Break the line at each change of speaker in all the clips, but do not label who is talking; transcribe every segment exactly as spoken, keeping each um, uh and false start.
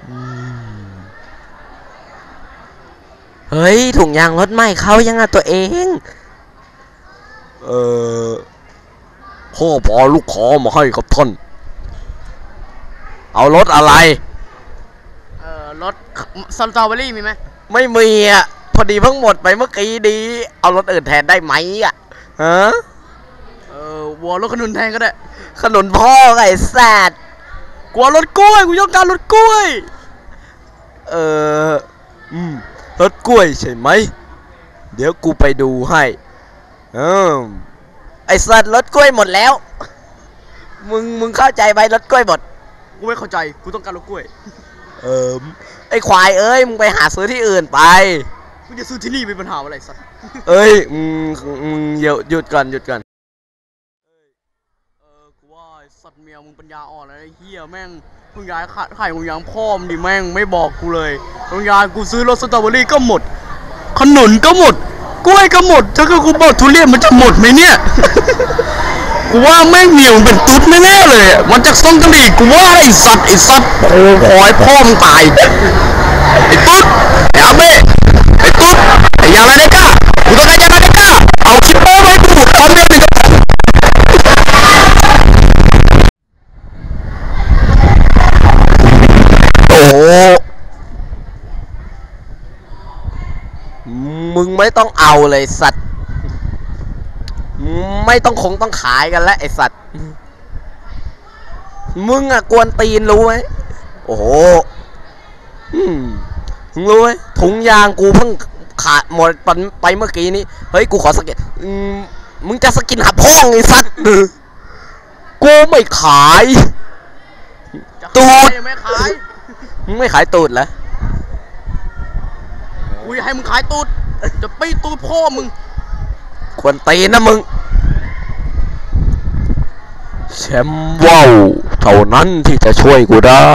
เฮ้ยถุงยางรถใหม่เขายังอ่ะตัวเองเออพ่อพอลูกขอมาให้กับท่านเอารถอะไร
เออรถสตรอเบอรี่มีไหม
ไม่มีอ่ะพอดีเพิ่งหมดไปเมื่อกี้ดีเอารถอื่นแทนได้ไหมอ่ะฮะ
เออวัวรถขนุนแทนก็ได้
ขนุนพ่อไอ้สัตว์
กลัวรถกล้วยกูต้องการรถกล้วย
เอออืมรถกล้วยใช่ไหมเดี๋ยวกูไปดูให้เออไอ้สัตว์รถกล้วยหมดแล้วมึงมึงเข้าใจไหมรถกล้วยหมด
กูไม่เข้าใจกูต้องการรถกล้วย
เออไอ้ควายเอ้ยมึงไปหาซื้อที่อื่นไป
กูจะซื้อที่นี่มีปัญหาอะไรสัตว์
เอ้ยมึงมึงหยุดหยุดก่อนหยุดก่อน
เออกูว่าสัตว์เมียมึงปัญญาอ่อนอะไรเฮียแม่งมึงย้ายขาดไข่มึงยังพ่อมดิแม่งไม่บอกกูเลยมึงย้ายกูซื้อรถสตรอเบอรี่ก็หมดขนุนก็หมดกล้วยก็หมดถ้าคือกูบอกทุเรียนมันจะหมดไหมเนี่ยกูว่าแม่งเหนียวเป็นตุ๊ดแน่ๆเลยมันจากซ่องกะหรี่กูว่าไอ้สัตว์ไอ้สัตว์โอ้ขอให้พ่อมึงตายไอ้ตุ๊ดไอ้อาเบ้ไอ้ตุ๊ดไอ้ยาลาเดก้ากูต้องการยาลาเดก้าเอาคิปโป้ไว้กูตอนเดียวหนึ่ง
โอ้มึงไม่ต้องเอาเลยสัตว์ไม่ต้องคงต้องขายกันแล้วไอสัตว์มึงอะกวนตีนรู้ไหมโอ้โหมึงรู้ไหมถุงยางกูเพิ่งขาดหมดไปเมื่อกี้นี้เฮ้ยกูขอสกินมึงจะสกินหาพ่องไอสัตว์กูไม่ขายตูด
ไม่ขาย
มึงไม่ขายตูดเหรอ
กูให้มึงขายตูดจะปีตูดพ่อมึง
ควรตีนะมึงแชมป์ว้าวเท่านั้นที่จะช่วยกูได้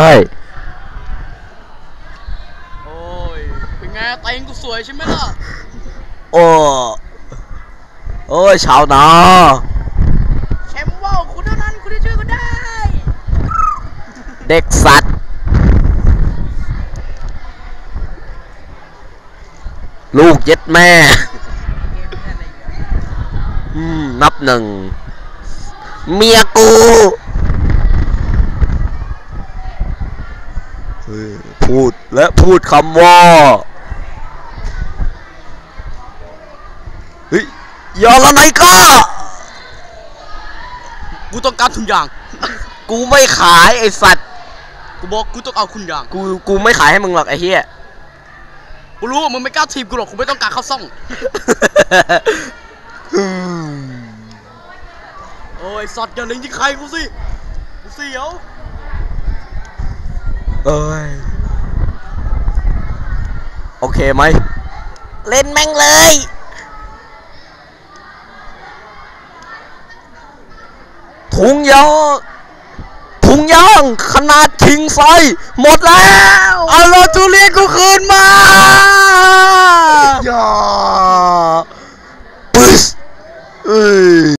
โอ้ยเป็นไงเต็งกูสวยใช่ไหมล่ะ
โอ้โอ้ยชาวนา
แชมป์ว้าวคุณเท่านั้นคุณที่ช่วยกูได้
เด็กสัตว์ลูกเย็ดแม่อืมนับหนึ่งเมียกูพูดและพูดคำว่าเฮ้ยยอละไหนก้า
กูต้องการทุนยาง
กูไม่ขายไอสัตว์
กูบอกกูต้องเอาคุณยาง
กูกูไม่ขายให้มึงหรอกไอเฮีย
กูรู้ว่ามึงไม่กล้าทีมกูหรอกกูไม่ต้องการเข้าซ่องโอ้ยสัตว์อย่าเล็งที่ใครกูสิกูเสียว
เอ้ยโอเคไหมเล่นแม่งเลยถุงยางถุงยางขนาดคิงไซส์หมดแล้ว
เอารถทุเรียนกูคืนมา
อย่าปึ๊สเอ้ย